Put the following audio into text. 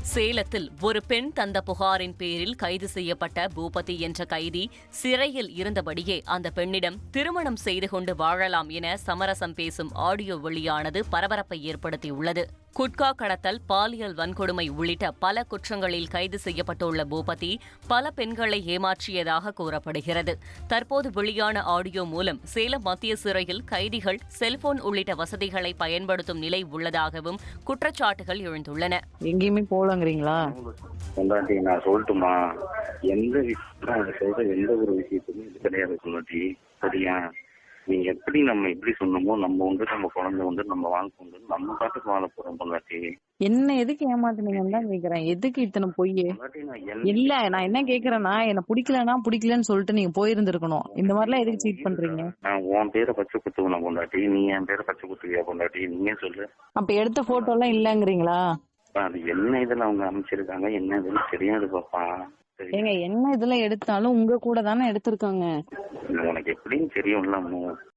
சேலத்தில் ஒரு பெண் தந்த புகாரின் பேரில் கைது செய்யப்பட்ட பூபதி என்ற கைதி சிறையில் இருந்தபடியே அந்த பெண்ணிடம் திருமணம் செய்து கொண்டு வாழலாம் என சமரசம் பேசும் ஆடியோ வெளியானது பரபரப்பை ஏற்படுத்தியுள்ளது. குட்கா கடத்தல், பாலியல் வன்கொடுமை உள்ளிட்ட பல குற்றங்களில் கைது செய்யப்பட்டுள்ள பூபதி பல பெண்களை ஏமாற்றியதாக கூறப்படுகிறது. தற்போது வெளியான ஆடியோ மூலம் சேலம் மத்திய சிறையில் கைதிகள் செல்போன் உள்ளிட்ட வசதிகளை பயன்படுத்தும் நிலை உள்ளதாகவும் குற்றச்சாட்டுகள் எழுந்துள்ளன. எங்கேயுமே போலங்கிறீங்களா? நான் சொல்லட்டுமா, எந்த ஒரு விஷயத்துமே இது கிடையாது சொல்லாட்டி. சரியா? நீ எப்படி நம்ம எப்படி சொன்னமோ நம்ம நம்ம குழந்தை நம்ம வாழ்க்கை நம்ம பாட்டுக்கு வாழ போறோம் பொண்டாட்டி. என்ன எதுக்கு ஏமாத்துனீங்கன்னு தான் கேக்குறேன். எதுக்கு இத்தனை பொய்? இல்ல, நான் என்ன கேக்குறேன்னா, என்ன பிடிக்கலன்னு சொல்லிட்டு நீங்க போயிருந்திருக்கணும். இந்த மாதிரிலாம் எதுக்கு சீட் பண்றீங்க? நான் உன் பேரை பச்சை குத்துவன பொண்டாட்டி, நீ என் பேரை பச்சை குத்துவியா பொண்டாட்டி? நீங்க சொல்லு. அப்ப எடுத்த போட்டோ எல்லாம் இல்லங்கிறீங்களா? அது என்ன இதுல அவங்க அமைச்சிருக்காங்க, என்ன இதுன்னு தெரியாது பாப்பா. ஏங்க, என்ன இதுல எடுத்தாலும் உங்க கூட தானே எடுத்திருக்காங்க. உனக்கு எப்படின்னு தெரியும்ல.